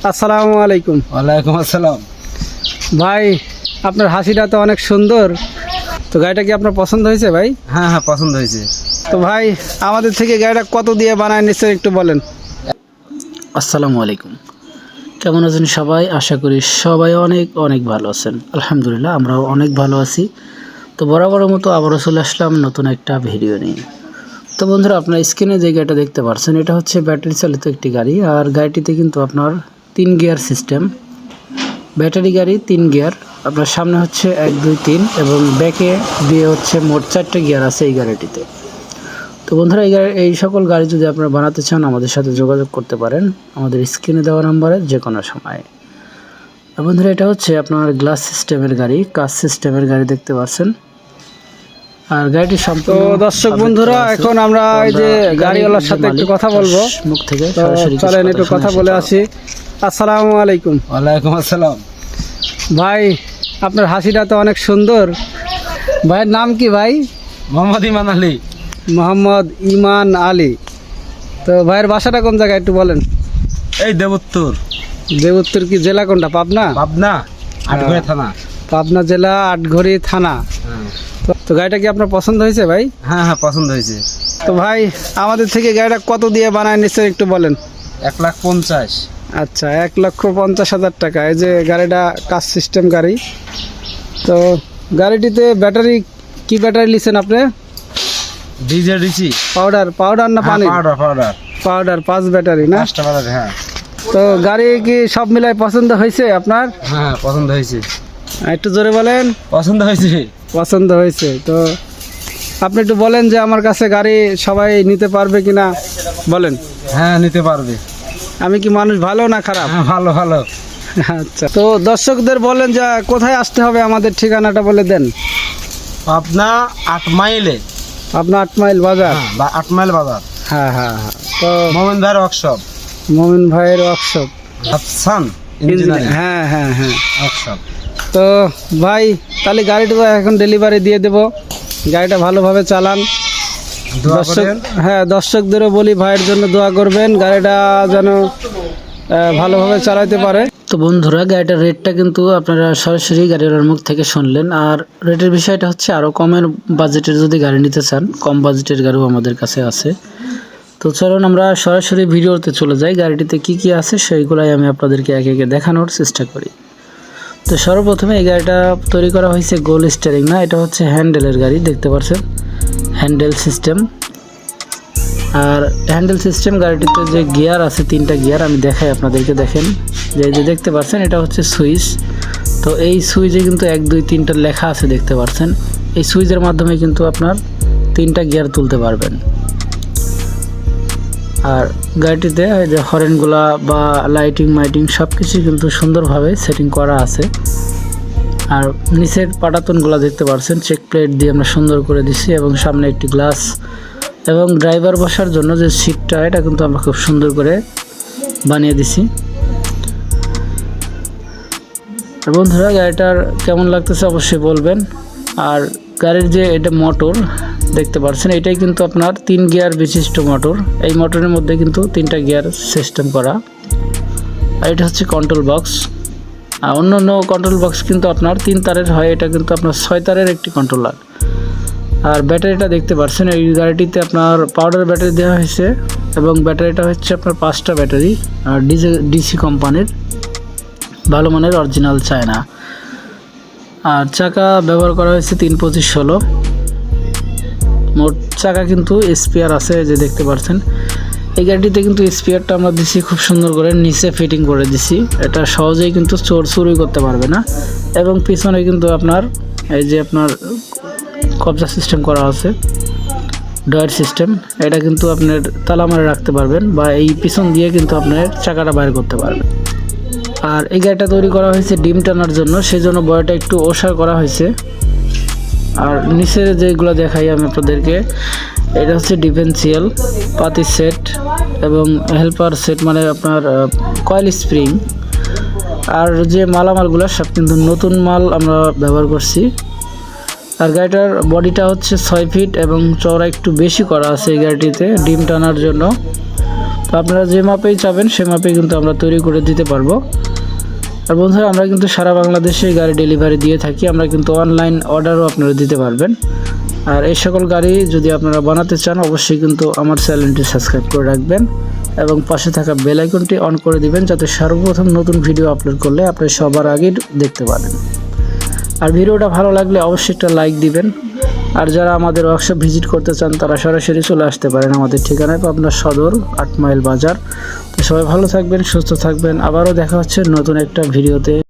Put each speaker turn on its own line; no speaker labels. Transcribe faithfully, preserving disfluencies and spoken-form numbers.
আসসালামু আলাইকুম।
ওয়ালাইকুম আসসালাম।
ভাই আপনার হাসিটা তো অনেক সুন্দর, তো গাড়িটা কি আপনার পছন্দ হয়েছে ভাই?
হ্যাঁ হ্যাঁ পছন্দ হয়েছে।
তো ভাই আমাদের থেকে গাড়িটা কত দিয়ে বানায় নিশ্চয় একটু বলেন।
আসসালামু আলাইকুম, কেমন আছেন সবাই? আশা করি সবাই অনেক অনেক ভালো আছেন। আলহামদুলিল্লাহ আমরাও অনেক ভালো আছি। তো বরাবরের মতো আবারও চলে আসলাম নতুন একটা ভিডিও নিয়ে। তো বন্ধুরা, আপনার স্ক্রিনে যে গাড়িটা দেখতে পাচ্ছেন এটা হচ্ছে ব্যাটারি চালিত একটি গাড়ি। আর গাড়িটিতে কিন্তু আপনার তিন গিয়ার সিস্টেম, ব্যাটারি গাড়ি, তিন গিয়ার। আপনার সামনে হচ্ছে এক দুই তিন এবং ব্যাকে দিয়ে হচ্ছে মোট চারটে গিয়ার আছে এই গাড়িটিতে। তো বন্ধুরা, এই গাড়ি এই সকল গাড়ি যদি আপনারা বানাতে চান আমাদের সাথে যোগাযোগ করতে পারেন আমাদের স্ক্রিনে দেওয়া নাম্বারে যে কোনো সময়। আর বন্ধুরা, এটা হচ্ছে আপনার গ্লাস সিস্টেমের গাড়ি, কাচ সিস্টেমের গাড়ি দেখতে পাচ্ছেন। আর গাড়িটি
তো
সম্পূর্ণ
দর্শক বন্ধুরা, এখন আমরা এই যে গাড়িওয়ালার সাথে একটু কথা বলবো,
মুখ থেকে
তো
সরাসরি
চলেন একটু কথা বলে আসি। আসসালামু আলাইকুম।
ওয়ালাইকুম আসসালাম।
ভাই আপনার হাসিটা তো অনেক সুন্দর। ভাইয়ের নাম কি ভাই?
মোহাম্মদ ইমান আলী।
মোহাম্মদ ইমান আলী। তো ভাইয়ের বাসাটা কোন জায়গায় একটু বলেন।
এই দেবোত্তর।
দেবোত্তর কি জেলা কোনটা? পাবনা?
পাবনা আটঘরে থানা।
পাবনা জেলা, আটঘরি থানা। তো- তো গাড়িটা কি আপনার পছন্দ হয়েছে ভাই?
হ্যাঁ হ্যাঁ পছন্দ হয়েছে।
তো ভাই আমাদের থেকে গাড়িটা কত দিয়ে বানায় নিশ্চয় একটু বলেন।
এক লাখ পঞ্চাশ।
আচ্ছা, এক লক্ষ পঞ্চাশ হাজার টাকা। এই যে গাড়িটা কাচ সিস্টেম গাড়ি। তো গাড়িটিতে ব্যাটারি কি ব্যাটারি নিছেন আপনি?
DJ DC.
পাউডার পাউডার না পানি?
পাউডার পাউডার
পাউডার, পাঁচ ব্যাটারি না?
পাঁচটা পাউডার। হ্যাঁ
তো গাড়ি কি সব মিলাই পছন্দ হয়েছে আপনার?
হ্যাঁ পছন্দ হয়েছে।
একটু জোরে বলেন।
পছন্দ হয়েছে।
পছন্দ হয়েছে। তো আপনি একটু বলেন যে আমার কাছে গাড়ি সবাই নিতে পারবে কিনা বলেন।
হ্যাঁ নিতে পারবে।
আমি কি মানুষ ভালো না খারাপ?
হ্যাঁ ভালো ভালো।
আচ্ছা, তো দর্শকদের বলেন যে কোথায় আসতে হবে, আমাদের ঠিকানাটা বলে দেন।
পাবনা আট মাইলে।
আপনার আট মাইল বাজার।
হ্যাঁ বা আট মাইল বাজার।
হ্যাঁ হ্যাঁ হ্যাঁ। তো
মোমিন ভাইয়ের ওয়ার্কশপ।
মমিন ভাইয়ের ওয়ার্কশপ।
আফসান ইঞ্জিনিয়ারিং
হ্যাঁ হ্যাঁ হ্যাঁ।
ওয়ার্কশপ।
তো ভাই তাহলে গাড়িটা এখন ডেলিভারি দিয়ে দেব। গাড়িটা ভালোভাবে চালান।
দোয়া
দর্শক,
করেন।
হ্যাঁ দর্শকদেরও বলি ভাইয়ের জন্য দোয়া করবেন, গাড়িটা যেন আহ, ভালোভাবে চালাতে পারে।
তো বন্ধুরা, গাড়িটার রেটটা কিন্তু আপনারা সরাসরি গাড়িওয়ালার মুখ থেকে শুনলেন। আর রেটের বিষয়টা হচ্ছে আরও কমের বাজেটের যদি গাড়ি নিতে চান, কম বাজেটের গাড়িও আমাদের কাছে আছে। তো চলুন আমরা সরাসরি ভিডিওতে চলে যাই। গাড়িটিতে কি কি আছে সেইগুলাই আমি আপনাদেরকে একে একে দেখানোর চেষ্টা করি। তো সর্বপ্রথমে এই গাড়িটা তৈরি করা হয়েছে গোল স্টিয়ারিং না, এটা হচ্ছে হ্যান্ডেলের গাড়ি দেখতে পাচ্ছেন, হ্যান্ডেল সিস্টেম। আর হ্যান্ডেল সিস্টেম গাড়িটিতে যে গিয়ার আছে, তিনটা গিয়ার আমি দেখাই আপনাদেরকে। দেখেন যে যে দেখতে পাচ্ছেন এটা হচ্ছে সুইচ। তো এই সুইচে কিন্তু এক দুই তিনটা লেখা আছে দেখতে পাচ্ছেন। এই সুইচের মাধ্যমে কিন্তু আপনার তিনটা গিয়ার তুলতে পারবেন। আর গাড়িটিতে এই যে হরেনগুলা বা লাইটিং মাইটিং সব কিছুই কিন্তু সুন্দরভাবে সেটিং করা আছে। আর নিচের পাটাতনগুলো দেখতে পাচ্ছেন চেক প্লেট দিয়ে আমরা সুন্দর করে দিছি, এবং সামনে একটি গ্লাস এবং ড্রাইভার বসার জন্য যে সিটটা এটা কিন্তু আমরা খুব সুন্দর করে বানিয়ে দিছি। আর বন্ধুরা, গাড়িটার কেমন লাগতেছে অবশ্যই বলবেন। আর গাড়ির যে এটা মোটর দেখতে পাচ্ছেন, এটাই কিন্তু আপনার তিন গিয়ার বিশিষ্ট মোটর। এই মোটরের মধ্যে কিন্তু তিনটা গিয়ার সিস্টেম করা। আর এটা হচ্ছে কন্ট্রোল বক্স। আর অন্য অন্য কন্ট্রোল বক্স কিন্তু আপনার তিন তারের হয়, এটা কিন্তু আপনার ছয় তারের একটি কন্ট্রোলার। আর ব্যাটারিটা দেখতে পাচ্ছেন, এই গাড়িটিতে আপনার পাউডার ব্যাটারি দেওয়া হয়েছে, এবং ব্যাটারিটা হচ্ছে আপনার পাঁচটা ব্যাটারি, আর ডিজে ডিসি কোম্পানির, ভালো মানের অরিজিনাল চায়না। আর চাকা ব্যবহার করা হয়েছে তিন পঁচিশ ষোলো। মোট চাকা কিন্তু স্পেয়ার আছে যে দেখতে পাচ্ছেন। এই গাড়িটিতে কিন্তু স্পেয়ারটা আমরা দিছি খুব সুন্দর করে নিচে ফিটিং করে দিছি, এটা সহজেই কিন্তু চোর চুরি করতে পারবে না। এবং পিছনে কিন্তু আপনার এই যে আপনার কবজা সিস্টেম করা আছে, ডয়ার সিস্টেম, এটা কিন্তু আপনার তালা মারে রাখতে পারবেন, বা এই পিছন দিয়ে কিন্তু আপনার চাকাটা বাইর করতে পারবেন। আর এই গাড়িটা তৈরি করা হয়েছে ডিম টানার জন্য, সেই জন্য বডিটা একটু ওষার করা হয়েছে। আর নিচের যেগুলো দেখাই আমি আপনাদেরকে, এটা হচ্ছে ডিফেন্সিয়াল পাতি সেট এবং হেল্পার সেট, মানে আপনার কয়েল স্প্রিং। আর যে মালামালগুলো সব কিন্তু নতুন মাল আমরা ব্যবহার করছি। আর গাড়িটার বডিটা হচ্ছে ছয় ফিট এবং চওড়া একটু বেশি করা আছে এই গাড়িটিতে ডিম টানার জন্য। তো আপনারা যে মাপেই চাবেন সে মাপেই কিন্তু আমরা তৈরি করে দিতে পারবো। আর বন্ধুরা আমরা কিন্তু সারা বাংলাদেশে গাড়ি ডেলিভারি দিয়ে থাকি, আমরা কিন্তু অনলাইন অর্ডারও আপনারা দিতে পারবেন। আর এই সকল গাড়ি যদি আপনারা বানাতে চান অবশ্যই কিন্তু আমার চ্যানেলটি সাবস্ক্রাইব করে রাখবেন এবং পাশে থাকা বেল আইকনটি অন করে দিবেন, যাতে সর্বপ্রথম নতুন ভিডিও আপলোড করলে আপনি সবার আগে দেখতে পারেন। আর ভিডিওটা ভালো লাগলে অবশ্যই একটা লাইক দিবেন। আর যারা আমাদের ওয়ার্কশপ ভিজিট করতে চান তারা সরাসরি চলে আসতে পারেন আমাদের ঠিকানায়, পাবনা সদর আট মাইল বাজার। তো সবাই ভালো থাকবেন, সুস্থ থাকবেন, আবারও দেখা হচ্ছে নতুন একটা ভিডিওতে।